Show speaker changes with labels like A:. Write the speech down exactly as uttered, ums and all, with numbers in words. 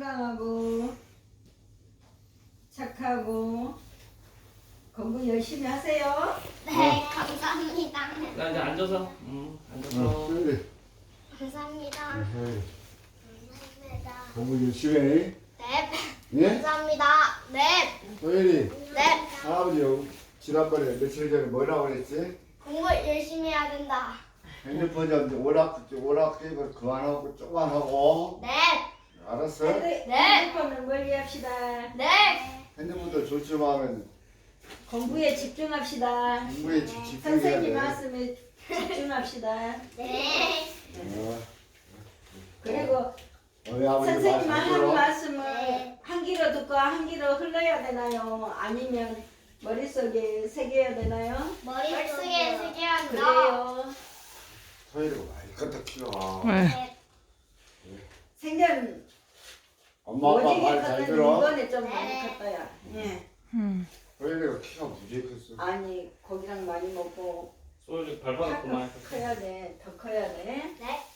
A: 건강하고 착하고 공부 열심히 하세요.
B: 네, 감사합니다.
C: 나 이제 앉아서. 응, 앉아서.
D: 어, 그래.
B: 감사합니다.
D: 에헤이.
B: 감사합니다.
D: 공부 열심히 해.
B: 네,
D: 예?
B: 감사합니다. 네,
D: 소연이,
B: 네.
D: 할아버지 지난번에 며칠 전에 뭐라고 그랬지?
B: 공부 열심히 해야 된다.
D: 핸드폰 좀 오락, 오락 게임을 그만하고 조금만 하고.
B: 네,
D: 알았어?
A: 핸드- 핸드폰을 멀리 합시다.
B: 네,
D: 핸드폰도 좋지만
A: 공부에 집중합시다.
D: 공부에 집- 집중해야
A: 선생님
D: 돼.
A: 말씀에 집중합시다.
B: 네.
D: 어,
A: 그리고
D: 우리 아버지
A: 선생님
D: 말씀
A: 하는
D: 들어.
A: 말씀을
B: 네.
A: 한 귀로 듣고 한 귀로 흘러야 되나요? 아니면 머릿속에 새겨야 되나요?
B: 머릿속에 새겨야 한다.
A: 그래요.
D: 소연이가 많이 컸다 키가.
B: 네,
A: 생전
D: 엄마 아빠
A: 오지게
D: 말 잘
A: 컸는데
D: 들어.
A: 이번에 좀 많이
B: 네.
A: 컸다야. 예.
D: 소연이가 키가 무지개 컸어.
A: 아니 고기랑 많이 먹고
C: 소연이
A: 파-
C: 밟아놨구만.
A: 커야 돼. 더 커야 돼.
B: 네.